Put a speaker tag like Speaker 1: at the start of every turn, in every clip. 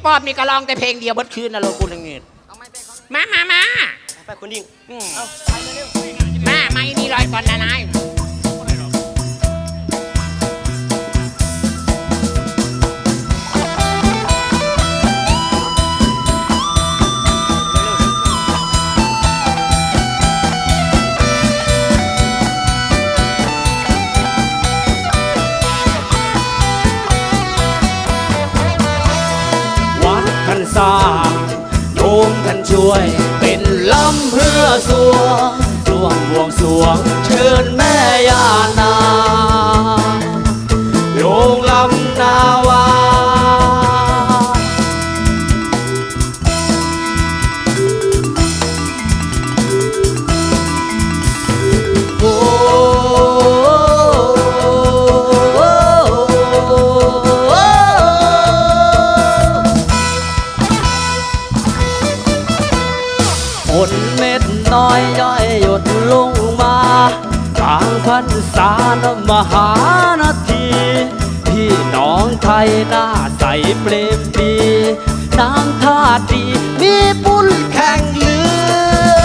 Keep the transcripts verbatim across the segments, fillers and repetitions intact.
Speaker 1: ปอบนี่ก็ร้องแต่เพลงเดียวเบิดคืนนะโลกูนึงนี่มามามา
Speaker 2: ไปคุณยิ่ง
Speaker 1: มาไม่นี่ลอยก่อนนะนาย
Speaker 3: สร้างโยมท่านช่วยเป็นลำเพื่อสวงร่วมบวงสรวงเชิญแม่ย่านางโยงลำนาวาโอ้ฝนเม็ดน้อยย่อยหยดลงมากลางพรรษานมหานาทีพี่น้องไทยหน้าใสเปรมปรีนางท่าดีมีบุญแข่งเรือ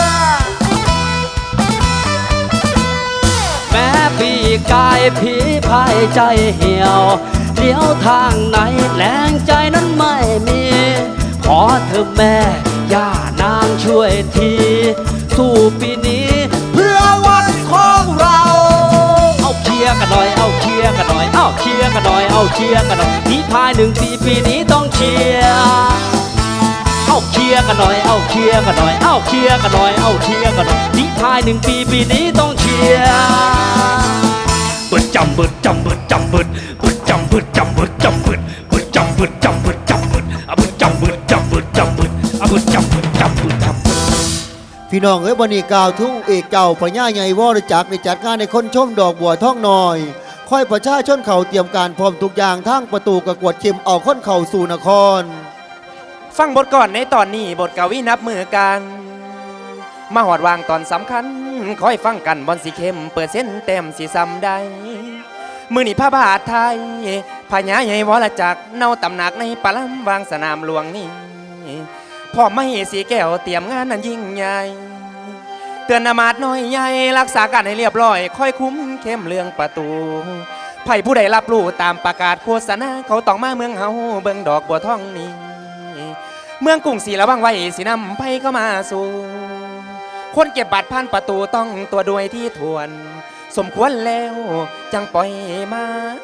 Speaker 3: แม้พี่กายผีพายใจเหี่ยวเลี้ยวทางไหนแรงใจนั้นไม่มีขอเธอแม่ย่านางช่วยทีสู้ปีนี้เพื่อวันของเราเอาเคลียร์กันหน่อยเอาเคลียร์กันหน่อยเอาเคลียร์กันหน่อยเอาเคลียร์กันหน่อยที่ภายหนึ่งปีปีนี้ต้องเคลียร์เอาเคลียร์กันหน่อยเอาเคลียร์กันหน่อยเอาเคลียร์กันหน่อยเอาเคลียร์กันหน่อยที่ภายหนึ่งปีปีนี้ต้องเคลียร์เบิดจำเบิดจำเบิดจำเบิดเบิดจำเบิดจำเบิดจำเบิดเบิดจำเบิดจำเบิดจำเบิดเอาเบิดจำเบิดจำเบิดจำเบิดเอาเบิดจำเบิดจำเบิดจำเบิด
Speaker 4: พี่น้องเอ้ยวันนี้กล่าวทุ่งเอกเก่าพญาใหญ่วรจักรในจัดงานในคนชมดอกบัวท่องน้อยค่อยประชาชนเขาเตรียมการพร้อมทุกอย่างทั้งประตูกระกวดเข็มเอาค้นเข่าสู่นคร
Speaker 2: ฟังบทก่อนในตอนนี้บทกวีนับมือกันมาหอดวางตอนสำคัญคอยฟังกันบอลสีเข้มเปิดเส้นเต็มสีซ้ำได้มือนี่พระบาทไทยพญาใหญ่วรจักรเนาตำหนักในปลัมวางสนามหลวงนี่พ่อไม่สีแก้วเตรียมงานนั้นยิ่งใหญ่เตือนนามาดน้อยใหญ่รักษาการให้เรียบร้อยค่อยคุ้มเข้มเรื่องประตูไผ่ผู้ใดรับรู้ตามประกาศโฆษณาเขาต้องมาเมืองเฮาเบิ่งดอกบัวทองนี้เมืองกรุงศรีระวังไว้สีนำไผ่เข้ามาสู่คนเก็บบัตรผ่านประตูต้องตัวด้วยที่ทวนสมควรแล้วจังปล่อยมา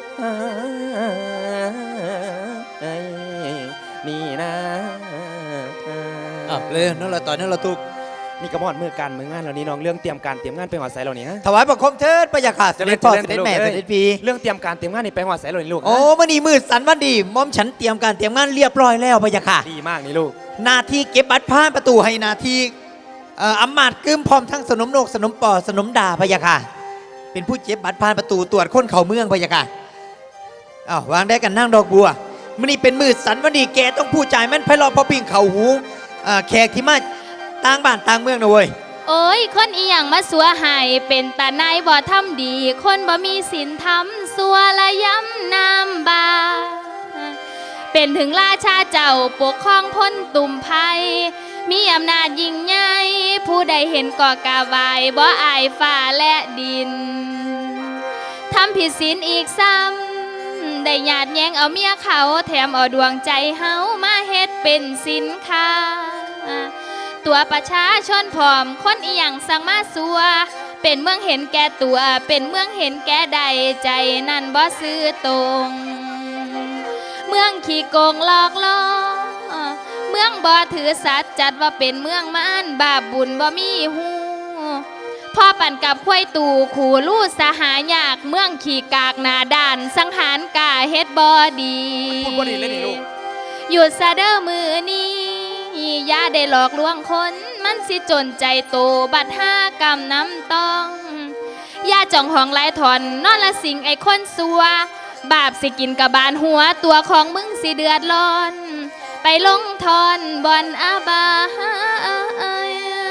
Speaker 2: นี่นะ
Speaker 3: อ่ะเลยนั่นแหละตอนนี้เราทุก
Speaker 2: นี่กระมอดเมื่อการเมื่องานเหล่านี้น้องเรื่องเตรียมการเตรียมงานไปหัวใสเหล่านี้
Speaker 3: ถวายบังคมเทิดพระยาค่ะเสด็จพ่อเสด็จแม่เสด็จพี่
Speaker 2: เรื่องเตรียมการเตรียมงานนี่ไปหัวใสเหล่านี้ลูก
Speaker 3: โอ้มื่อนี้มืดสันวันดีมอมฉันเตรียมการเตรียมงานเรียบร้อยแล้วพระยาค่ะ
Speaker 2: ดีมากนี่ลูก
Speaker 3: หน้าที่เก็บบัตรผ่านประตูให้หน้าที่อำมาตย์กึมพร้อมทั้งสนมโลกสนมปอสนมดาพระยาค่ะเป็นผู้เก็บบัตรผ่านประตูตรวจคนเข้าเมืองพระยาค่ะอ้าววางได้กันนั่งดอกบัวมื่อนี้เป็นมืดสันวันดีแกต้องผู้จ่ายแม่นไพเราะพอปิ่งเข่าหูแขกที่มาต่างบ้านต่างเมืองนะเว้ย
Speaker 5: โอ้ยคนอีหยังมาสัวหายเป็นตาในายบ่ทำดีคนบ่มีศีลธรรมสัวละย้ำนามบาเป็นถึงราชาเจ้าปกครองพ้นตุ่มภัยมีอำนาจยิ่งใหญ่ผู้ใดเห็นก่อกาวายบ่อายฟ้าและดินทำผิดศีลอีกซ้ำได้หยาดแยงเอาเมียเขาแถมเอาดวงใจเฮามาเฮ็ดเป็นสินค้าตัวประชาชนพร้อมคนอีหยังสั่งมาสัวเป็นเมืองเห็นแก่ตัวเป็นเมืองเห็นแก่ใดใจนั่นบ่ซื่อตรงเมืองขี้โกงหลอกล่อเมืองบ่ถือสัตว์จัดว่าเป็นเมืองมารบาปบุญบ่มีหูพ่อปั่นกับควายตู่ขู่ลู่สหายากเมืองขี้กากหน้าด้านสังหารกาเฮ็ดบ่ดี
Speaker 2: พูดบ่ดีเลยนี่ลูก
Speaker 5: หยุดซะเด้อมือนี้อย่าได้หลอกลวงคนมันสิจนใจโตบัดห้ากรรมน้ำต้องอย่าจ่องห้องไล่ถอนนอนละสิงไอ้คนสัวบาปสิกินกับบานหัวตัวของมึงสิเดือดร้อนไปลงทอนบอนอาบาย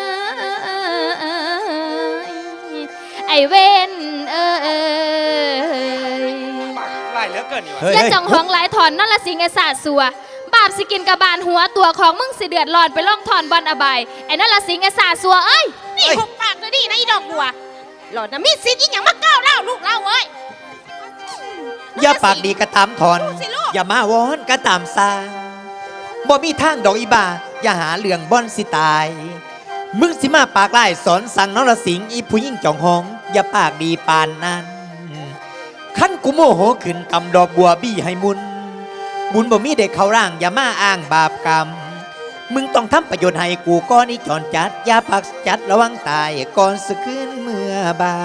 Speaker 5: ไอเวนเอ้ย
Speaker 2: ไล่เหลือเกินนี่วะ
Speaker 5: อย่าจ่องห้องไล่ถอนนอนละสิงไอ้สาสัวบบสิกินกระบาลหัวตัวของมึงสิเดือดร้อนไปล่องถอนบอลอบายไอ้นั่นละสิงไอ้สาสัวเอ้ย
Speaker 6: นี่หุบปากเลยดินะอีดอกบัวหล่อนนะมีสิทธิ์อีหยังมาก้าวเล่าลูกเล่าเอ้ย
Speaker 7: อย่าปากดีกระตามถอน
Speaker 6: ลูกสิลูก
Speaker 7: อย่ามาวอนกระตามซาบ่มีทางดอกอีบาอย่าหาเรื่องบ่อนสิตาย มึงสิมาปากไล่สอนสั่งนรสิงห์อีผู้ยิ่งจองหอง อย่าปากดีปานนั้นขั้นกูโมโหขึ้นกำดอกบัวบี้ให้มุน บุญบ่มีเด็กเขาร่างอย่ามาอ้างบาปกรรม มึงต้องทำประโยชน์ให้กูก้อนนี้จอนจัด อย่าปักจัดระวังตายก่อนสึกขึ้นเมื่อบาน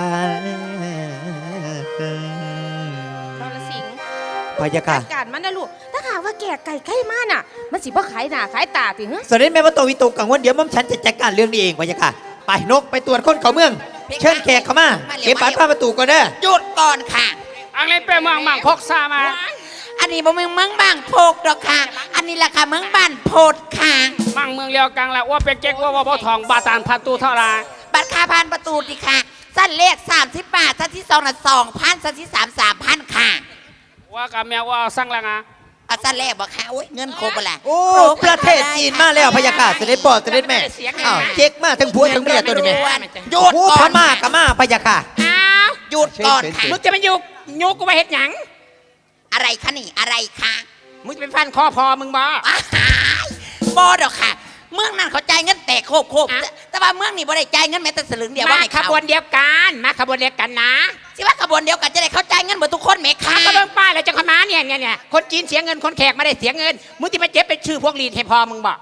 Speaker 6: นรสิงห์
Speaker 7: พะยะค่ะ
Speaker 6: จัดการมันนะลูกถ้าหากว่าแก่ไก่ใกล้มาน่ะ มันสิบ่ขายหน้าขายตาติเหรอ
Speaker 7: สวัสดีแม่มาโตวิโตกังวลเดี๋ยวม่อมฉันจะจัดการเรื่องนี้เองพะยะค่ะ ไปนกไปตรวจคนเขาเมือง เชิญแขกเข้ามาเก็บบัตรผ้าประตูก่อนเด้อ
Speaker 1: หยุดก่อนค่ะ
Speaker 8: อังเลเป้เมืองมังพกซามา
Speaker 1: อันนี้บ่เมืองเมืองบางโพกดอกค่ะ อันนี้ราคาเมืองบ้านโพดค่ะ
Speaker 8: มังเมืองเลียวกังละว่าเป็นเจ๊กว่าว่าบ่ทองบาตานพันตูเท่าไร
Speaker 1: บัตรค่าผ่านประตูดิค่ะ สั้นเลขสามสิบบาทสั้นที่สองน่ะสองพันสั้นที่สามสามพันค่ะ
Speaker 8: ว่ากับแมวว่าสั่งละงะ
Speaker 1: เอาสั้นแรกบอกค่ะโอ้ยเงินครบไปละ
Speaker 7: โอ้ประเทศจีนมาแล้วพะยะค่ะเสด็จพ่อเสด็จแม่อ้าวเจ๊กมาทั้งผัวทั้งเมียตัวนี้แม่
Speaker 1: หยุด
Speaker 7: โอ้
Speaker 1: ก่
Speaker 7: พ
Speaker 1: อน
Speaker 7: ม่ากับมาพะยะค่ะ
Speaker 6: อ้าว
Speaker 1: หยุดก่อนค่ะ
Speaker 8: มึงจะมายุกยุกกูไปเฮ็ดหยัง
Speaker 1: อะไรคะนี่อะไรคะ
Speaker 8: มึงจะเป็นฟันคอพอมึงบ่
Speaker 1: อ้ายบอดอกค่ะ เมืองนั้นเขาจ่ายเงินแตกโคบโคบแต่แต่ว่าเมืองนี้บ่ได้จ่ายเงินแม้แต่สลึงเดียวว่า
Speaker 8: มา
Speaker 1: ให้
Speaker 8: ข
Speaker 1: เขา
Speaker 8: บวนเดียวกันมาขบวนเดียวกันนะ
Speaker 1: สิว่าขบวนเดียวกันจะได้เข้าจ่ายเงินหมดทุกคนไหมคะ
Speaker 8: ก็เบิ่งป้ายแล้วจะขมาเนี่ยเนี่ยเนี่ยคนจีนเสียเงินคนแขกไม่ได้เสียเงินมึงที่มาเจ็บเป็นชื่อพวกลีดให้พอมึงบ่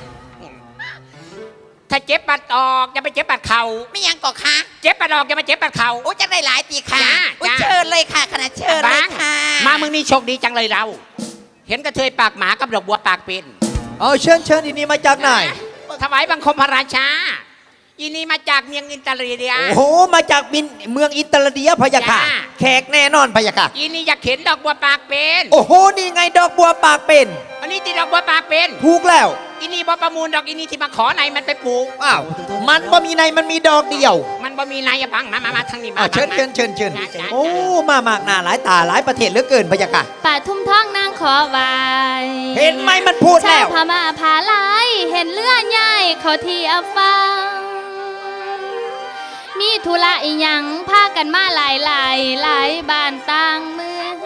Speaker 8: ถ้าเจ็บปัดออกอย่าไปเจ็บปัดเข่า
Speaker 1: ไม่ยังก่อคะ
Speaker 8: เจ็บปัดออกอย่ามาเจ็บปัดเข่า
Speaker 1: โอ้จะได้หลายตีค่ะ
Speaker 8: จ้า
Speaker 1: โอ้
Speaker 8: จ้า
Speaker 1: เชิญเลยค่ะขณะเชิญเลยค่ะ
Speaker 8: มามึงนี่โชคดีจังเลยเรา เห็นกระเทยปากหมากับดอกบัวปากเป็น
Speaker 7: เอาเชิญเชิญอีนี่มาจากไหน
Speaker 8: ถวายบังคมพระราชา อีนี่มาจากเมียงอินเตอร์เลีย
Speaker 7: โอ้โหมาจากมินเมืองอินเตอร์เดียพะยะค่ะ
Speaker 8: จ้า
Speaker 7: แขกแน่นอนพะยะค่ะ
Speaker 8: อีนี่อยากเห็นดอกบัวปากเป็น
Speaker 7: โอ้โหนี่ไงดอกบัวปากเป็น
Speaker 8: อันนี้ที่ดอกบัวปากเป็น
Speaker 7: ถูกแล้ว
Speaker 8: อีนี่บ่ประมูลดอกอีนี่ที่มาขอไหนมันไปปลูก
Speaker 7: อ้าวมันบ่มีในมันมีดอกเดียว
Speaker 8: มันบ่มีนายบังมามามาทางนี้มา
Speaker 7: อ้าวเชิญ
Speaker 8: มา
Speaker 7: เชิญเชิญเชิญ
Speaker 8: จ้าจ้า
Speaker 7: โอ้มามากหน้าหลายตาหลายประเทศเหลือเกินพะยะค่ะ
Speaker 5: ป่าทุ่มท้องนางขอไว้
Speaker 7: เห็นไหมมันพูด
Speaker 5: ชา
Speaker 7: แล้ว ว
Speaker 5: พม่าพาลายเห็นเลือดใหญ่เขาที่อาฟัง มีธุระอีหยังพากันมาหลายหลายหลายบ้านต่างเมือง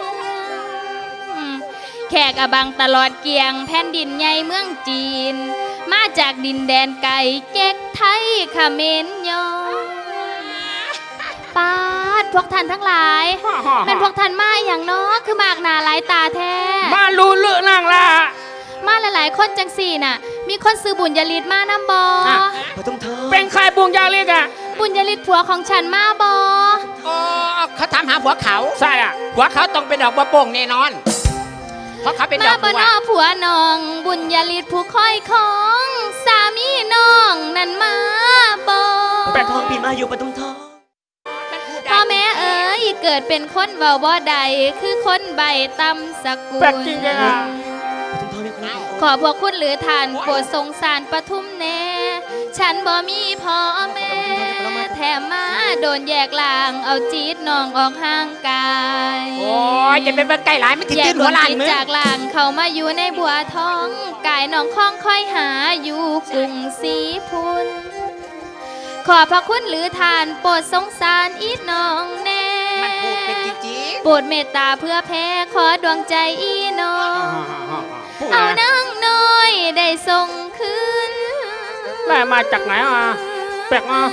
Speaker 5: แขกอบังตลอดเกียงแผ่นดินใหญ่เมืองจีน มาจากดินแดนไกลเจ๊กไทยเขมรยองปาดพวกท่านทั้งหลาย
Speaker 8: ฮ่าฮ่าฮ่า
Speaker 5: เป็นพวกท่านมาอย่างน้อคือมากหนาหลายตาแท้
Speaker 8: มาลูเลือนางละ
Speaker 5: มาหลายๆคนจังสี่น่ะ มีคนซื้อบุญยลิตมานำบอ
Speaker 8: อ่ะ เป็นใครบุญยาเล็กอ่ะ
Speaker 5: บุญยลิตผัวของฉันมาบอ
Speaker 8: อ๋อเขาถามหาผัวเขาใช่อ่ะผัวเขาต้องเป็นดอกบัวโป่งแน่นอน เพราะเขาเป็นด
Speaker 5: มา
Speaker 8: อก
Speaker 5: บ
Speaker 8: บั
Speaker 5: น
Speaker 8: ว
Speaker 5: อผัวน้อง บุญยลิตผู้คอยของ สามีน้องนั่นมาบอ
Speaker 8: แปดทองปีมาอยู่ปทุมทอง
Speaker 5: พ่อแม่เอ๋ยเกิดเป็นคนเว้าบ่ใดคือคนใบตำสกุล
Speaker 8: แปลกจริงๆอ่ะ
Speaker 5: ขอพวกคุณหรือทานโปรดสงสารปทุมแน่ ฉันบ่มีพ่อแม่ แถมมาโดนแยกลางเอาจีดน้องออกห่างกาย
Speaker 8: โอ้ยอย่าเป็นเบิ่งไก่หลายไม่ติด
Speaker 5: แย
Speaker 8: ตื้
Speaker 5: ก
Speaker 8: น
Speaker 5: ด
Speaker 8: หั
Speaker 5: ว
Speaker 8: ว
Speaker 5: ง
Speaker 8: ลาน
Speaker 5: จิต
Speaker 8: มึง
Speaker 5: จากลางเขามาอยู่ในบัวทอง กายน้องคล้องค่อยหาอยู่กรุงศรีพุน ขอพระคุณหรือทานโปรดสงสารอีน้องแน่
Speaker 8: มันพูดเป็นจริง
Speaker 5: โปรดเมตตาเพื่อแพ้ขอดวงใจอีน้อง
Speaker 8: ๆพูด
Speaker 5: เอา
Speaker 8: นะ
Speaker 5: นางน้อยได้ส่งคืน
Speaker 8: ได้มาจากไหนอ่ะแปลกอ่ะ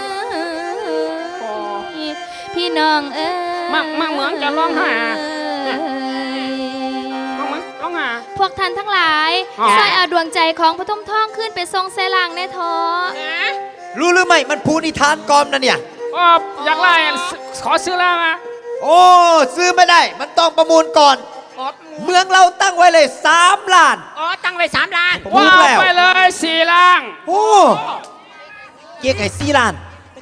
Speaker 5: พี่น้องเอ้ย
Speaker 8: มั่งมั่งเหมือนจะร้องไห้อะ น้องมึงน้องอ่ะ
Speaker 5: พวกท่านทั้งหลาย
Speaker 8: อ๋อ
Speaker 5: ช่วยเอาดวงใจของพระทมทองขึ้นไปทรงเสลางในท้อ
Speaker 7: รู้หรือไม่มันพูดนิทานกอมนะเนี่ย
Speaker 8: อ๋ออยากไล่อ่ะขอซื้อแล้วมา
Speaker 7: โอ้ซื้อไม่ได้มันต้องประมูลก่อน
Speaker 8: อ๋อ
Speaker 7: เมืองเราตั้งไว้เลยสามล้าน
Speaker 8: อ๋อตั้งไว้สามล้าน
Speaker 7: ผมรู้
Speaker 8: ว้าว
Speaker 7: แล้ว
Speaker 8: ไปเลยสี่ล้าน
Speaker 7: โอ้เจ๊กไอ้สี่ล้าน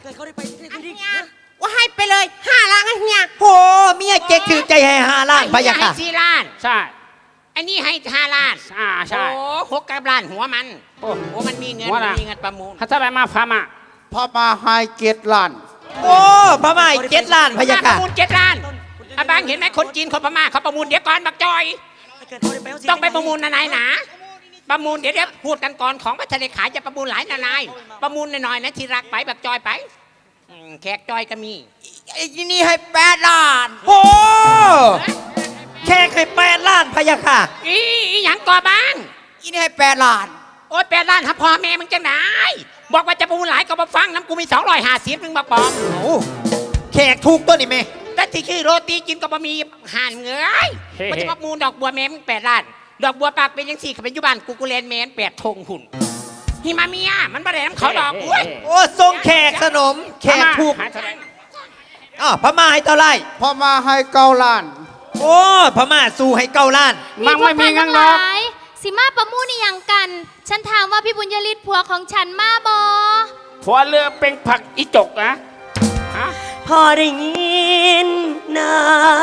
Speaker 6: ว่าให้ไปเลยห้าล้านไอ้เฮีย
Speaker 7: โอ้เมียเจ๊กถือใจให้ห้าล้านพะยะ
Speaker 8: ให้
Speaker 7: ค่ะ
Speaker 8: สี่ล้านใช่อันนี้ให้ห้าล้านอ่าใช่
Speaker 6: โอ้หกกับล้านหัวมัน
Speaker 8: โอ้
Speaker 6: โอ้มันมีเงิน
Speaker 8: หัวน่ะ
Speaker 6: มันมีเงินประมูล
Speaker 8: ถ้าเท่าไหรมาพามา
Speaker 4: พอมาไฮเกตล้าน
Speaker 7: โอ้พม่าอีกเจ็ดล้านพะยะ
Speaker 8: ป
Speaker 7: ค่ะ
Speaker 8: ระมูลเจ็ดล้านอาบางเห็นไหมคนจีนคนพม่าเขาประมูลเดี๋ยวก่อนบักจอย ต้องไปประมูลนายหนาประมูลเดี๋ยวเดี๋ยวพูดกันก่อนของพัชรขายจะประมูลหลายนานายประมูลหน่อยๆนะที่รักไปแบบจอยไปอืมแขกจอยก็มี
Speaker 1: ไอ้นี่ให้แปดล้าน
Speaker 7: โอ้แค่เคยแปดล้านพะยะค่ะ
Speaker 8: อีอีหยังก่อบ้าง
Speaker 1: อีนี่ให้แปดล้าน
Speaker 8: โอ๊ยแปดล้านถ้าพ่อแม่มึงจะไหนบอกว่าจะประมูลหลายก็มาฟังน้ำกูมีสองร้อยห้าสิบมึงมาปลอม
Speaker 7: โอ้แขกถูกต้นนี่แม่
Speaker 8: แต่ที่ชื่อโรตีกินก็บะมีห่านเงยมันจะประมูลดอกบัวแม่มึงแปดล้านดอกบัวปากเป็นยังสี่ขับเป็นยุบานกูกูเลนแมนแปดธงหุ่นฮิมาเมียมันบะแดน้ำเขาดอกอุ้ย
Speaker 7: โอ้ทรงแขกสนม แขกถูกอ๋อพม่าให้เท่าไหร
Speaker 9: พอมาให้เก้าล้าน
Speaker 7: โอ้พม่าสู้ให้เก้าล้าน
Speaker 5: มันไม่มีงั้นหรอกสิมาประมูลนี่ยังกัน ฉันถามว่าพี่บุญยฤทธิ์ผัวของฉันมาบอ
Speaker 8: ผัวเรือเป็นผักอีจกนะฮะ
Speaker 3: พอได้ยินนาง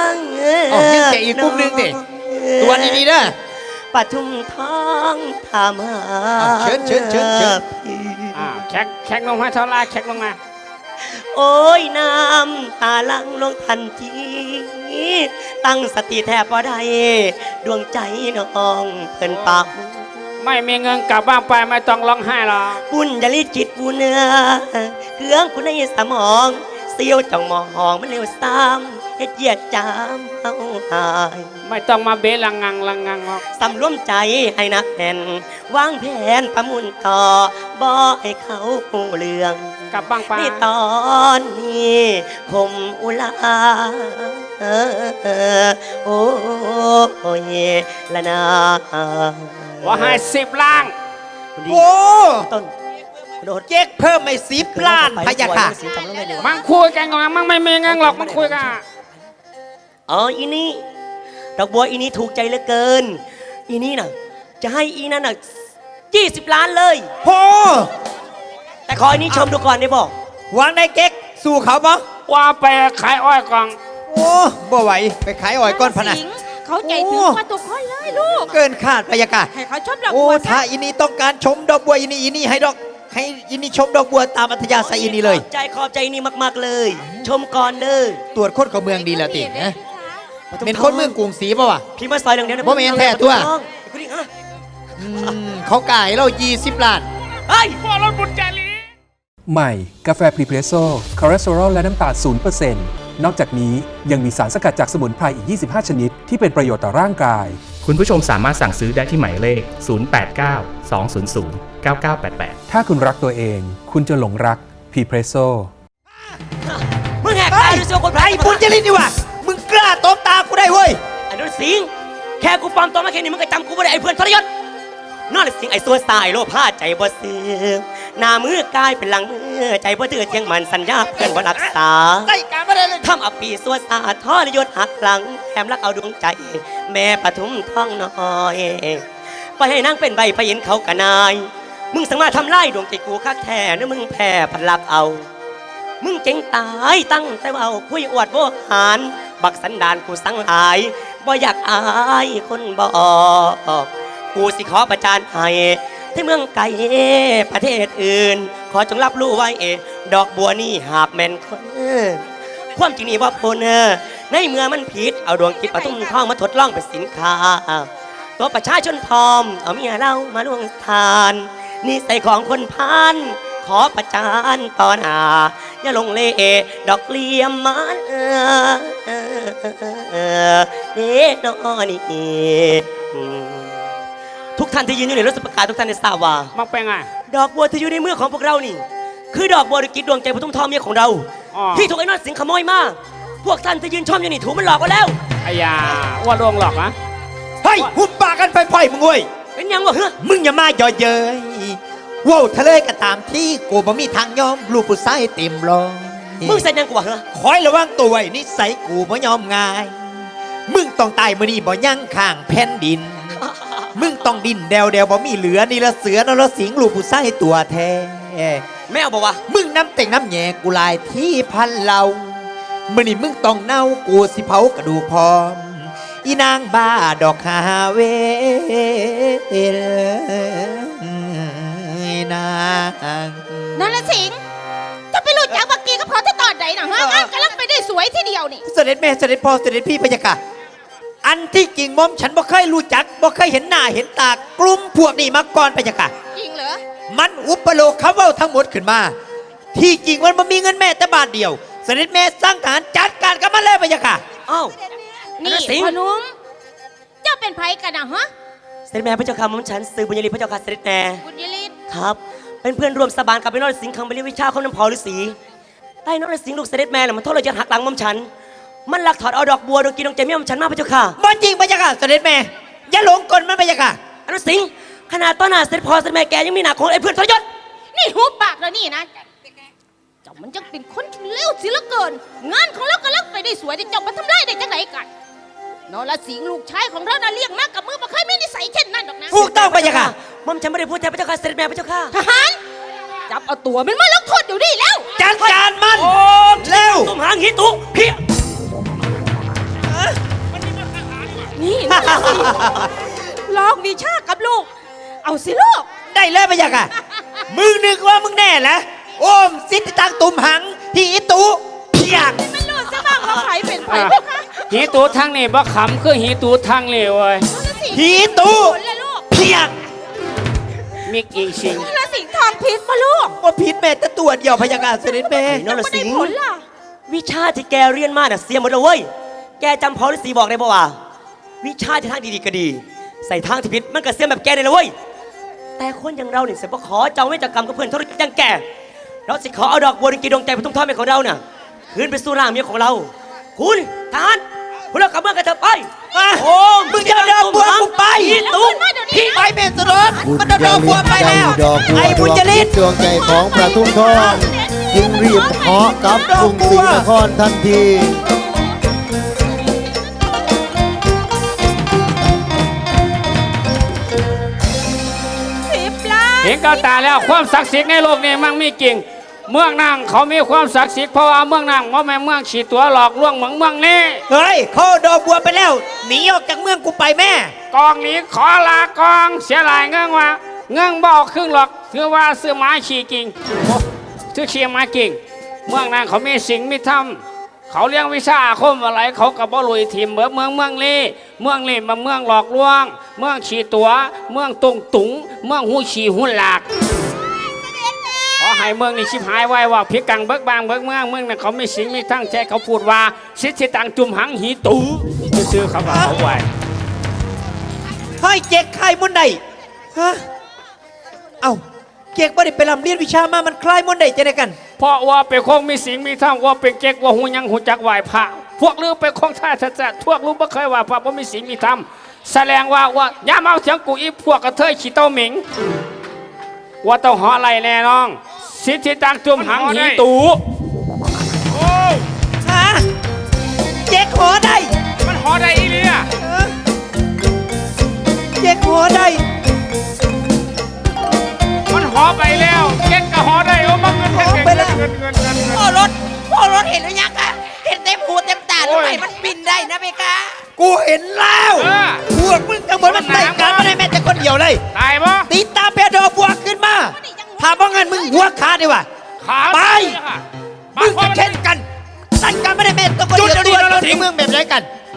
Speaker 7: อ๋อยังแกอีกกลุ่มหนึงดิตัวนี้ดีเด้อ
Speaker 3: ปทุมท้องถามหา
Speaker 7: อ่ะเชิญเชิญเชิญเชิญ
Speaker 8: อ่าแขกแขกลงมาเท่าไรแขกลงมา
Speaker 3: โอ้ยน้ำตาลังลงทันที ตั้งสติแทบพอได้ดวงใจน้องเพิ่นปาก
Speaker 8: ไม่มีเงินกลับบ้านไปไม่ต้องร้องไห้หรอก
Speaker 3: บุญยลิจิตบุญเนื้อเครื่องคุณในสมองเสียวจ้องมองมันเร็วซ้ำเฮ็ดเหยียดจามเอาหาย
Speaker 8: ไม่ต้องมาเบะลังงังลังงังหรอก
Speaker 3: สำรวมใจให้นักแน่นวางแผนประมุนต่อบ่ให้เขาหูเรื่อง
Speaker 8: กลับบ้านไป
Speaker 3: ในตอนนี้คมอุลาเออเออโอ้ยละนา
Speaker 8: ว่าให้สิบล้าน
Speaker 7: โอ้
Speaker 3: ต้นโดด
Speaker 7: เจ๊กเพิ่มไม่สิบล้านพะยะค่ะ
Speaker 8: มันคุยกันก่อนมันไม่มีเงินหรอกมันคุยกัน
Speaker 3: อ๋ออีนี่ดอกบัวอีนี่ถูกใจเหลือเกิน อีนี่น่ะ จะให้อีนั่นน่ะยี่สิบล้านเลย
Speaker 7: โอ้
Speaker 3: แต่ขออีนี่ชมดูก่อนได้บอก
Speaker 7: วางได้เก๊กสู้เขาบ่
Speaker 8: ว่าไปขายอ้อยกล่อง
Speaker 7: โอ้บ่ไหวไปขายอ้อยก้อนพะนะ
Speaker 6: สิงเขาใจถึง
Speaker 7: โอ้
Speaker 6: กว่าทุกคนเลยลูก
Speaker 7: เกินคาดพะยะค่ะ
Speaker 6: ให้เขาชมดอก
Speaker 7: โอ้
Speaker 6: บัว
Speaker 7: ถ้า
Speaker 6: ซะ
Speaker 7: อินี่ต้องการชมดอกบัวอินี่อินี่ให้ดอก ให้อินี่ชมดอกบัวตามอัธยาศัยอินี่เลย
Speaker 3: ขอบใจขอบใจอีนี่มากๆเลย ชมก่อนเลย
Speaker 7: ตรวจคนเขาเมืองดีแล้วตินะเป็นคนเมืองกรุงศรีป่าวะ
Speaker 3: พี่มาซอยเรื่องเดียวนะ
Speaker 7: บ่แม่นแท้ตัว
Speaker 3: คุณดิฮะ
Speaker 7: อืมเขากายเรายี่สิบล้าน
Speaker 3: เฮ้ย
Speaker 10: ใหม่ กาแฟพรีเพรสโซ่คอเลสเตอรอลและน้ำตาล ศูนย์เปอร์เซ็นต์ นอกจากนี้ยังมีสารสกัดจากสมุนไพรอีก ยี่สิบห้า ชนิด ที่เป็นประโยชน์ต่อร่างกาย
Speaker 11: คุณผู้ชมสามารถสั่งซื้อได้ที่หมายเลข ศูนย์ แปด เก้า สอง ศูนย์ ศูนย์ เก้า เก้า แปด แปด
Speaker 10: ถ้าคุณรักตัวเอง คุณจะหลงรักพรีเพรสโซ่
Speaker 3: มึงแหกตาดูสิว่าคนไพร
Speaker 7: ไอ้บุญจริตนี่วะมึงกล้าตบตากูได้เว้ย
Speaker 3: ไอ้นุ่นสิงแค่กูปลอมตัวมาแค่นี้มึงก็จำกูไม่ได้ไอ้เพื่อนทรยศนอนสิงไอ้ซัวสายโลภาใจบ่เสื่อมหน้ามือกลายเป็นหลังมือใจบ่เตือเที่ยงมันสัญญาเพื่อนบ่รักษา
Speaker 7: ได้การมาได้เลย
Speaker 3: ทำอับปีซัวสาทรยศหักหลังแถมรักเอาดวงใจ แม่ปทุมท้องน้อยไปให้นางเป็นใบพยินเขากะนาย มึงสามารถทำลายดวงใจกูคักแท้นะมึงแพ้พันลักเอา มึงเจ๋งตายตั้งแต่ว่าคุยอวดโวหาร บักสันดานกูสังหลายบ่อยากอายคนบอกกูสิขอประจานให้ที่เมืองไกลประเทศอื่น ขอจงรับรู้ไว้ดอกบัวนี่หากแม่นคนความจริงนี่ว่าพลในเมื่อมันผิดเอาดวงจิตปทุมทองมาทดลองเป็นสินค้า ตัวประชาชนพร้อมเอาเมียเรามาล่วงทานนี่ใส่ของคนพานขอประจานต่อหน้าอย่าลงเล่ดอกเลี้ยมมันเออเออเออเด้นอนี่ทุกท่านที่ยืนอยู่ในรถสประกาศทุกท่านในทราบว่า
Speaker 8: มันเป็นไง
Speaker 3: ดอกบัวที่อยู่ในมือของพวกเรานี่ คือดอกบัวดกิจดวงใจปทุมทองเมียของเรา
Speaker 8: อ๋อ
Speaker 3: ที่ถูกไอ้นอดสิงขโมยมาพวกท่านที่ยืนชมอยู่นี่ถูกมันหลอกมาแล้ว
Speaker 8: ไอ้ยาว่าลวงหลอกนะ
Speaker 7: เฮ้ยหุบปากกันไปพ่อยมึงเว้ย
Speaker 3: เป็นยังวะเฮ้ย
Speaker 7: มึงอย่ามาย่อเย้ยว้าวทะเลก็ตามที่กูบ่มีทางยอมลูกผู้ชายเต็มรอย
Speaker 3: มึงใส่ยังกูวะเฮ้ย
Speaker 7: คอยระวังตัวไว้นิสัยกูบ่ยอมง่าย มึงต้องตายมื้อนี้บ่ยั่งข้างแผ่นดิน มึงต้องดินเดวเดวบ่มีเหลือนี่ละเสือนละสิงลูกผู้ชายตัวแท้
Speaker 3: แม่เอาบอกว่า
Speaker 7: มึงน้ำเต่งน้ำแหย่กูลายที่พันเหล่ามื้อนี้มึงต้องเน่ากูสิเผากระดูกพร้อม อีนางบ้าดอกฮาเวนาง
Speaker 6: นั่นละสิงจะไปรู้จักบักกี้ก็พอที่ตอนไหนนะฮะงานกำลังไปได้สวยทีเดียวนี่
Speaker 7: เสด็จแม่เสด็จพ่อเสด็จพี่พะยะค่ะไออันที่จริงหมอมฉันบ่เคยรู้จักบ่เคยเห็นหน้าเห็นตากลุ่มพวกนี้มาก่อนพะยะค่ะ
Speaker 6: จริงเหรอ
Speaker 7: มันอุปโลกเขาเว้าทั้งหมดขึ้นมา ที่จริงมันบ่มีเงินแม่แต่บาทเดียวเสด็จแม่สร้างทหารจัดการกับมันเลยพะยะค่ะ
Speaker 3: อ้าว
Speaker 6: นี่
Speaker 3: สิง
Speaker 6: พ่อหนุ่มเจ้าเป็นไผกันนะฮะ
Speaker 3: เสด็จแม่พระเจ้าค่ะหม่อมฉันซื้อบุญยรีพระเจ้าค่ะเสด็จแม่
Speaker 6: บุญยฤทธิ์
Speaker 3: ครับ เป็นเพื่อนร่วมสาบานกับพี่นรสิงห์คังไปเรียนวิชาเขาน้ำพอฤาษีใต้นรสิงห์ลูกเสด็จแม่น่ะมันโทษเราจะหักหลังหม่อมฉัน มันลักถอดเอาดอกบัวดอกกีดอกใจเมียหม่อมฉันมาพระเจ้าค่ะ
Speaker 7: บ่จริงพะยะค่ะเสด็จแม่อย่าหลงกลมันพะยะค่ะ
Speaker 3: อนุสิงห์ขนาดต้นหน้าเสด็จพ่อเสด็จแม่แกยังมีหนักของไอ้เพื่อนทรยศ
Speaker 6: นี่หูปากแล้วนี่นะเจ้ามันจังเป็นคนที่เลวสิเหลือเกิน งานของเรากำลังไปได้สวยแต่เจ้ามาทำลายได้จังไหนกันนรสิงห์ลูกชายของเราน่ะเลี้ยงมากกับมือบ่เคยมีนิสัยเช่นนั้นดอกนะ
Speaker 7: ถูกต้องพะยะค่ะ
Speaker 3: หม่อมฉันไม่ได้พูดแทนพระเจ้าค่ะเสด็จแม่พระเจ้าค่ะ
Speaker 6: ทหารจับเอาตัวมันมาลงโทษอยู่นี่แล้ว
Speaker 7: จัดการมันเร็ว
Speaker 3: ตุ้มหางหิตุเพี้ย
Speaker 6: นี่นรสิงห์ลองวิชากับลูก เอาสิลูก
Speaker 7: ได้เลยพะยะค่ะมึงนึกว่ามึงแน่เหรอโอมสิทธิตังตุ่มหังที่อิตุเพียก
Speaker 6: ไม่รู้ซะบ้างว่าใครเป็นใครพวกคะ
Speaker 8: หีตูทางนี่บ่ขำคือหีตูทางเลวเว้ย
Speaker 6: นรสิงห์
Speaker 7: หีตุ
Speaker 6: ผลเลยลูก
Speaker 7: เพียก
Speaker 8: มิกอีชิง
Speaker 6: นรสิงห์ทองพิษมาลูก
Speaker 7: ว่าผิดแม่แต่ตัวเดียวพะยะค่ะเสด็จแม่
Speaker 3: นรสิง
Speaker 6: ผ
Speaker 3: ห์
Speaker 6: ลล่ะ
Speaker 3: วิชาที่แกเรียนมาน่ะเสียหมดเลยเว้ยแกจำพอฤาษีบอกได้ป่าวะวิชาที่ทางดีๆก็ดี ใส่ทางที่ผิดมันก็เสียแบบแกได้เลยเว้ยแต่คนอย่างเราเนี่ยเสียบ่ขอเจ้าไม่จากกรรมกับเพื่อนทรยศอย่างแกเราสิขอเอาดอกบัวดอกกีดวงใจไปทุ่มทอดให้ของเราน่ะคืนไปสู่ร่างเมียของเรา คุณทหารพวกเรากลับเมืองกันเถอะไป
Speaker 7: โอ้มึงจะเอาดอกบัวกูไป
Speaker 3: ตุ้ม
Speaker 7: พี่ไปเมสรส
Speaker 4: บุญ
Speaker 7: มันเอาดอกบัวไปแล้ว
Speaker 4: ดอกบัว
Speaker 7: ไอ้บุญจริต
Speaker 4: ดวงใจของพระทุ่งทองจึงรีบเหาะกลับกรุงศรีนครทันที
Speaker 6: สิบล้าน
Speaker 8: เห็นกับตาแล้วความศักดิ์สิทธิ์ในโลกนี้มั่งมีจริง เมืองนางเขามีความศักดิ์สิทธิ์เพราะว่าเมืองนางว่าแม่นเมืองฉีดตัวหลอกลวงเหมืองเมืองนี้
Speaker 7: เฮ้ยเขาเอาดอกบัวไปแล้วหนีออกจากเมืองกูไปแม่
Speaker 8: กองนี้ขอลากองเสียหลายเงื่องว่าเงื่องบ่ออกครึ่งหรอกถือว่าซื้อไม้ขี่กิ่งโอ้ซื้อเชียไม้กิ่งเมืองนางเขามีสิ่งมีธรรมเขาเลี้ยงวิชาอาคมอะไรเขากับบ่ลุยทีมเบิดเมืองเมืองนี้เมืองนี้มาเมืองหลอกลวง เมืองฉีตัว เมืองตรงตุงเมืองหูฉีหุ่นหลากขอให้เมืองนี้ชิบหายไว้ว่าพิกังเบิกบางเบิกเมืองเมืองนั้นเขามีสิ่งมีทั้งใจเขาพูดว่าสิทธิตังจุมหังหีตูซื้อเขาว่าเขาไว้
Speaker 7: เฮ้ยเจ๊กใครมุนใดฮะเอ้าเจ๊กบ่ได้ไปรำเรียนวิชามามันคล้ายมุนใดจะได้กัน
Speaker 8: เพราะว่าเป็นคงมีสิ่งมีธรรมว่าเป็นเก๊กว่าหูยังหูจักไหวพระพวกลือเป็นคงท่าทัศน์พวกรู้บ่เคยว่าพระว่ามีสิ่งมีธรรมแสดงว่าว่าอย่ามาเอาเสียงกูอีพวกกระเทยขี้เต้าหมิงว่าต้องหออะไรแน่น้องสิทธิตังจุมหังหีตู
Speaker 7: ฮะเจ๊กหอได้
Speaker 8: มันหอได้อีเลีย
Speaker 7: เออเจ๊กหอได้
Speaker 8: มันหอไปแล้วเก๊กก็หอได้โอ้มันเงิน
Speaker 7: หอไปแล้ว
Speaker 8: เงินเงินเงินเงิน
Speaker 1: พ่อรถพ่อรถเห็นหรือยังคะเห็นเต็มหูเต็มตา
Speaker 8: โอ้
Speaker 1: ทำ
Speaker 8: ย
Speaker 1: ไมมันบินได้นะเบคะ
Speaker 7: กูเห็นแล้ว
Speaker 8: เออ
Speaker 7: พวกมึงทั้งหมดมันใส่กันมาได้แม้แต่คนเดียวเลย
Speaker 8: ตายปะ
Speaker 7: ตีตาเพดอกบัวขึ้นมาถ้าบ่งั้นมึงหัวขาดดีกว่า
Speaker 8: ขา
Speaker 7: ไป
Speaker 8: ไป
Speaker 7: มึงก็เช่นกันใส่กันไม่ได้แม้แต่คนเดียว
Speaker 2: จุดเดียว
Speaker 7: ตัว
Speaker 2: เรา
Speaker 7: เรา
Speaker 2: ทิ้
Speaker 7: ทิ้
Speaker 2: ง
Speaker 7: งมึงแบบไรกัน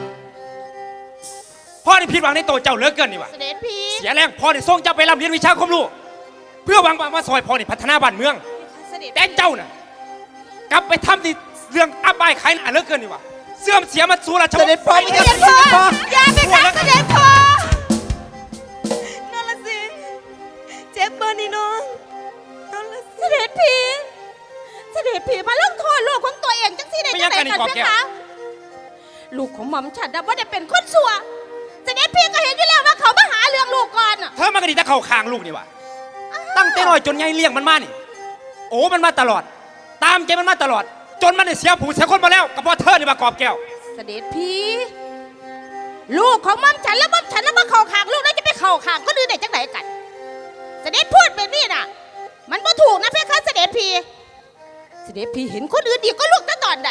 Speaker 2: พ่อนี่ผิดหวังในตัวเจ้าเหลือเกินนี่วะ
Speaker 6: เสด็จพี่
Speaker 2: เสียแรงพ่อนี่ส่งเจ้าไปรำเรียนวิชาความรู้เพื่อหวังว่ามาซอยพ่อนี่พัฒนาบ้านเมือง
Speaker 6: เสด็จ
Speaker 2: แต่เจ้าน่ะกลับไปทำในเรื่องอับอายขายหน้าเหลือเกินนี่วะเสื่อมเสียมาสู่ราชว
Speaker 7: เส
Speaker 2: งศ์
Speaker 7: ด็จพ่อ
Speaker 6: เสด็จพ่ออย่าไปขังเสด็จพ่อนรสิงห์เจ็บเบอร์นี่น้องเสด็จพี่เสด็จพี่มาลงโทษลูกของตัวเองจังสิได้จังไหนกันเพี่คะลูกของหม่อมฉันนะว่าได้เป็นคนชั่วเสด็จพี่ก็เห็นอยู่แล้วว่าเขามาหาเรื่องลูกก่อนอะ
Speaker 2: เธอมันก็ดีแต่เข้าคางลูกนี่วะตั้งแต่น้อยจนใหญ่เลี้ยงมันมานี่โอ้มันมาตลอด ตามใจมันมาตลอด จนมันได้เสียผู้เสียคนมาแล้วก็เพราะเธอนี่มากอบแก้ว
Speaker 6: เสด็จพี่ลูกของหม่อมฉันแล้วหม่อมฉันแล้วมาเข่าขางลูกแล้วจะไปเข่าขางก็ดื้อได้จังไหนกัน เสด็จพูดแบบนี้น่ะ มันบ่ถูกนะเพคะเสด็จพี่เสด็จพี่เห็นคนอื่นดีก็ลูกตั้งตอนไหน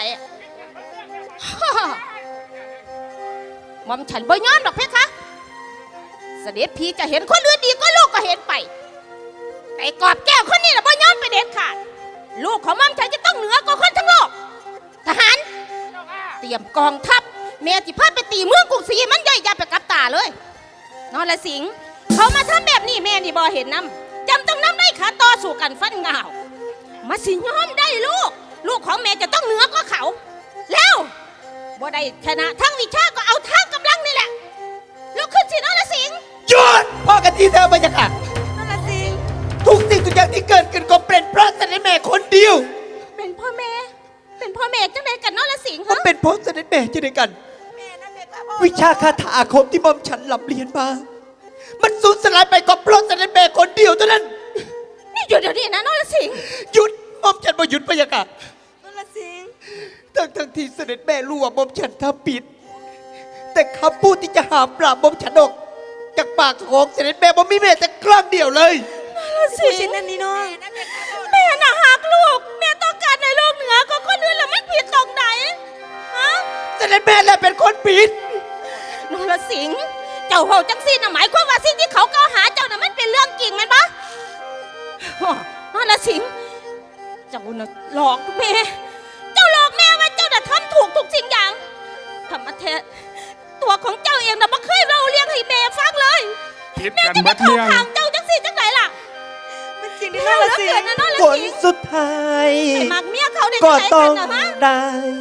Speaker 6: หม่อมฉันบ่ยอมหรอกเพคะเสด็จพี่จะเห็นคนอื่นดีก็ลูกก็เห็นไปแต่กอบแก้วคนนี้น่ะบ่ยอมไปเด็ดขาดลูกของหม่อมฉันจะต้องเหนือกว่าคนทั้งโลกทหารเตรียมกองทัพแม่สิพาไปตีเมืองกรุงศรีมันย่อยยับไปกับตาเลยนอนละสิงเขามาทำแบบนี้แม่นี่บ่เห็นน้ำจำต้องน้ำได้ขาต่อสู่กันฟันเงามาสิยอมได้ลูกลูกของแม่จะต้องเหนือกว่าเขาแล้วบ่ได้ชนะทั้งวิชาก็เอาทั้งกำลังนี่แหละลูกขึ้นสินอนละสิง
Speaker 7: หยุดพ่อกันทีเธอพะยะค่ะ
Speaker 6: นอนละสิง
Speaker 7: ทุกสิ่งทุกอย่างที่เกิดขึ้นก็เป็นเพราะเสด็จแม่คนเดียว
Speaker 6: เป็นพ่อแม่เป็นพ่อแม่จังไดกันนอนละสิง
Speaker 7: ก็
Speaker 6: ฮะ
Speaker 7: เป็นเพราะเสด็จแม่จะได้กัน วิชาคาถาอาคมที่หม่อมฉันหลับเรียนมา มันสูญสลายไปก็เพราะเสด็จแม่คนเดียวเท่านั้น
Speaker 6: นี่หยุดเดี๋ยวนี้นะนอนละสิง
Speaker 7: หยุดหม่อมฉันบ่หยุดพะยะค่ะ
Speaker 6: นอนละสิง
Speaker 7: ทั้งทั้งที่เสด็จแม่รู้ว่าหม่อมฉันทำผิด แต่คำพูดที่จะหาปราบหม่อมฉันออกจากปากของเสด็จแม่บ่มีแม้แต่ครั้งเดียวเลย
Speaker 6: สิงนั่นนี่น้องแม่น่ะหักลูกแม่ต้องการในโลกเหนือก็คนอื่นแล้วมันผิดตรงไหนฮะ
Speaker 7: เสด็จแม่แหละเป็นคนผิด
Speaker 6: นรสิงห์เจ้าเฮาจังซี่น่ะหมายความว่าสิ่งที่เขากล่าวหาเจ้าน่ะมันเป็นเรื่องจริงแม่นปะอ้อนรสิงห์เจ้าน่ะหลอกแม่เจ้าหลอกแม่ว่าเจ้าน่ะทำถูกทุกสิ่งอย่างธรรมะเทศตัวของเจ้าเองน่ะบ่เคยเล่าเรื่องให้แม่ฟังเลย
Speaker 8: ผิด
Speaker 6: แม่
Speaker 8: กัน
Speaker 6: จะ
Speaker 8: เบิ
Speaker 6: มา
Speaker 8: ด
Speaker 6: เข้า
Speaker 8: เรื่อง
Speaker 6: ข้างเจ้าจังซี่จังไหนล่ะมันจริงที่นรสิงห์นะนร
Speaker 7: ผล
Speaker 6: สิงห์
Speaker 7: สุดท้าย
Speaker 6: ไปมักเมียเขาได้
Speaker 7: ก็
Speaker 6: จังไหน
Speaker 7: ต้อ
Speaker 6: กั
Speaker 7: ง
Speaker 6: นน่ะฮะ
Speaker 7: ได้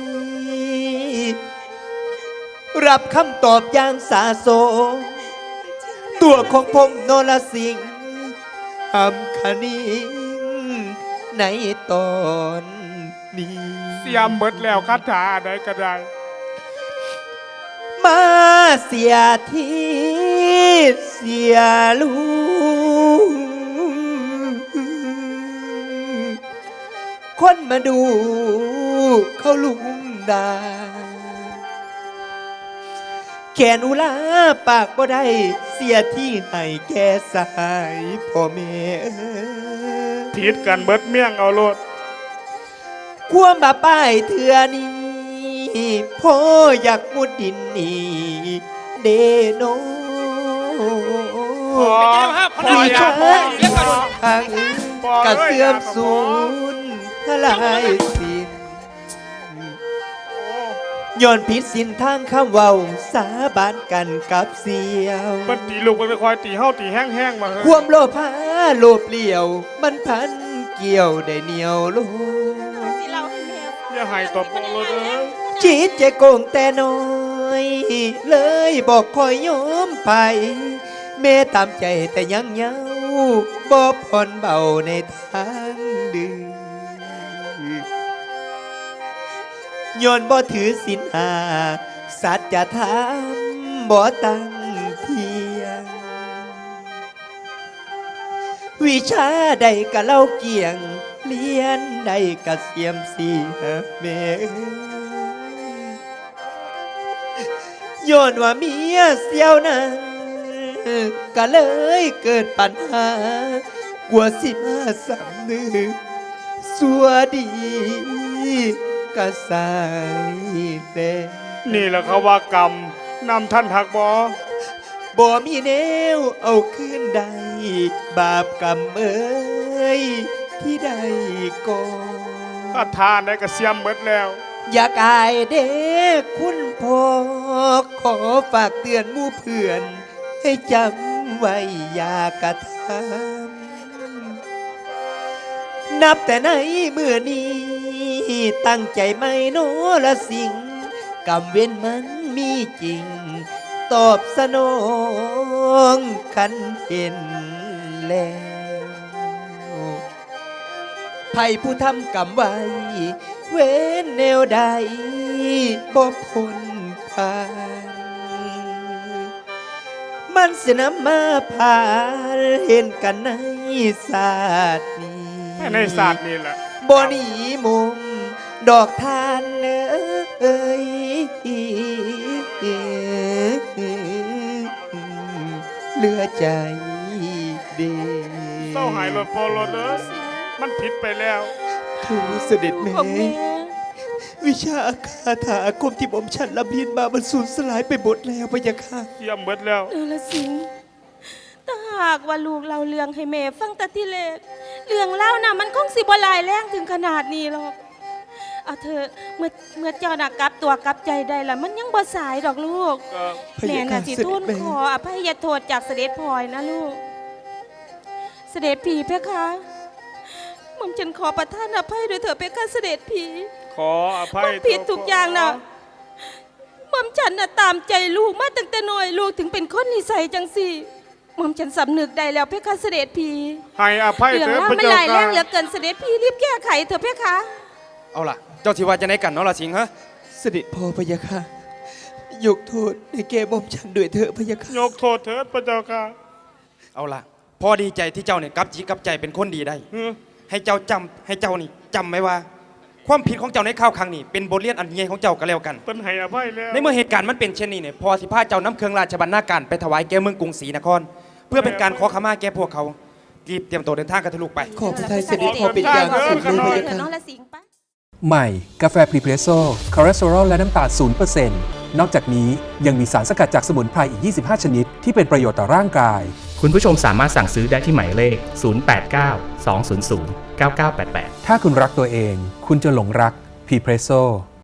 Speaker 7: รับคำตอบอย่างสาโสมตัวของผมโนรสิงห์ทำคณิงในตอนนี้
Speaker 8: เสียมเบิดแล้วคาถาใดก็ได้
Speaker 7: มาเสียทีเสียลูคนมาดูเขาลุมดาแขนอุลาปากบ่ได้เสียที่ให้แก่สายพ่อแม่
Speaker 8: ผิดกันเบิดเมี่ยงเอาโลด
Speaker 7: ความบาป้ายเถื่อนี้พ่ออยากมุดดินนี่เดโน
Speaker 8: พอ
Speaker 7: วิชา
Speaker 8: พอ
Speaker 7: ทางกระเสื่อมสูญทลายสิ้นย้อนผิดสินทางคำเว้าสาบานกันกับเสียว
Speaker 8: มันตีลูกมันไปคอยตีเฮาตีแห้งๆมาเฮ้ย
Speaker 7: ความโลภะโลภเลี่ยว มันพันเกี่ยวได้เหนียวโล
Speaker 6: สิเล่าให้แม่
Speaker 8: อย่าให้ตบโปงเลยเด้อ
Speaker 7: จิตใจโกงแต่น้อย เลยบอกคอยยอมไปแม่ตามใจแต่ยังเย้าบ่ผ่อนเบาในทางดื้อย้อนบ่ถือศีลห้าสัจธรรมบ่ตั้งเทียง วิชาใดกะเล่าเกี่ยงเลียนใดกะเสียมเสียแม่ย้อนว่าเมียเสียวนั้นก็เลยเกิดปัญหากลัวสิมาสำนึกสัวดีกะสายแดง
Speaker 8: นี่แหละเขาว่ากรรมนำท่านทักบอ
Speaker 7: บ่มีแนวเอาคืนใดบาปกรรมเอ้ยที่ใดก่อน
Speaker 8: คาถาได้กระเสียมเบิดแล้ว
Speaker 7: อยากอายเด็กคุณพ่อขอฝากเตือนหมู่เพื่อน ให้จำไว้อย่ากระทำนับแต่ในเมื่อนี้ ตั้งใจไม่โนละสิ่งกรรมเว้นมันมีจริง ตอบสนองคันเห็นแล้วไผผู้ทำกรรมไว้ เว้นแนวใดบ่พ้นผ่าน มันสินำมาผ่านเห็นกันในศาสตร์นี้
Speaker 8: ในศาสตร์นี่แหละ
Speaker 7: บ่หนีมุมดอกทานเอ้ยเหลือใจเด
Speaker 8: เศร้าหายรถพอรถเด้อมันผิดไปแล้ว
Speaker 7: ทูเสด็จแม่ วิชาคาถาอาคมที่ผมฉันละเพียนมามันสูญสลายไปหมดแล้วพะยะค่ะ
Speaker 8: เสียมเบิดแล้ว
Speaker 6: เออละสิงถ้าหากว่าลูกเราเรื่องให้แม่ฟังแต่ที่เล็กเรื่องเล่าน่ะมันคงสิบ่หลายแรงถึงขนาดนี้หรอกเอาเธอะเมื่อเมื่อเจ้าน่ะกลับตัวกลับใจได้ละมันยังบ่สายดอกลูกแม่น่ะสิทูลขออภัยโทษจากเสด็จพ่อนะลูกเสด็จพี่เพคะหม่อมฉันขอประทานอภัยด้วยเถิดเพคะเสด็จพี่
Speaker 9: ขออภัย
Speaker 6: ความผิดทุกอย่างน่ะหม่อมฉันน่ะตามใจลูกมาตั้งแต่น้อยลูกถึงเป็นคนนิสัยจังสี่หม่อมฉันสำนึกได้แล้วเพคะเสด็จพี่
Speaker 9: ให้อภัย
Speaker 6: เรื่อง
Speaker 9: เถิด
Speaker 6: ราว
Speaker 9: พระ
Speaker 6: มัน
Speaker 9: เจ้า
Speaker 6: หลายแรงเหลื
Speaker 9: ค่ะ
Speaker 6: อเกินเสด็จพี่รีบแก้ไขเถอะเพคะ
Speaker 2: เอาล่ะ เจ้าสิว่าจะไหนกันเนาะล่ะสิงห์ฮะ
Speaker 7: เสด็จพ่อพะยะค่ะยกโทษให้แก่บ่อมฉันด้วยเถอะพะยะค่ะ
Speaker 9: ยกโทษเถิดพระเจ้าค่ะ
Speaker 2: เอาล่ะพอดีใจที่เจ้าเนี่ยกลับจีกลับใจเป็นคนดีได้
Speaker 9: เออ
Speaker 2: ให้เจ้าจำให้เจ้านี่จำไว้ว่า ความผิดของเจ้าในข้าวครั้งนี้เป็นบทเรียนอันใหญ่ของเจ้าก็แล้วกัน
Speaker 9: เป็นให้อภัยแล้ว
Speaker 2: ในเมื่อเหตุการณ์มันเป็นเช่นนี้เนี่ยพอสิพาเจ้าน้ำเครื่องราชบรรณาการไปถวายแก่เมืองกรุงศรีนคร เพื่อเป็นการขอขมาแก่พวกเขารีบเตรียมตัวเดินทางกันทะลุไป
Speaker 7: ขอพระทัยเสด็จพ่อเป็นอย่างสูงเลยพะยะ
Speaker 6: เถอะ
Speaker 7: ค่ะ
Speaker 6: น้องละสิงห์ปะ
Speaker 10: ใหม่ กาแฟพรีเพรสโซ่คอเลสเตอรอลและน้ำตาลศูนย์เปอร์เซ็นต์นอกจากนี้ยังมีสารสกัดจากสมุนไพรอีก ยี่สิบห้า ชนิด ที่เป็นประโยชน์ต่อร่างกาย
Speaker 11: คุณผู้ชมสามารถสั่งซื้อได้ที่หมายเลข ศูนย์ แปด เก้า สอง ศูนย์ ศูนย์ เก้า เก้า แปด แปด
Speaker 10: ถ้าคุณรักตัวเอง คุณจะหลงรักพรีเพรสโซ่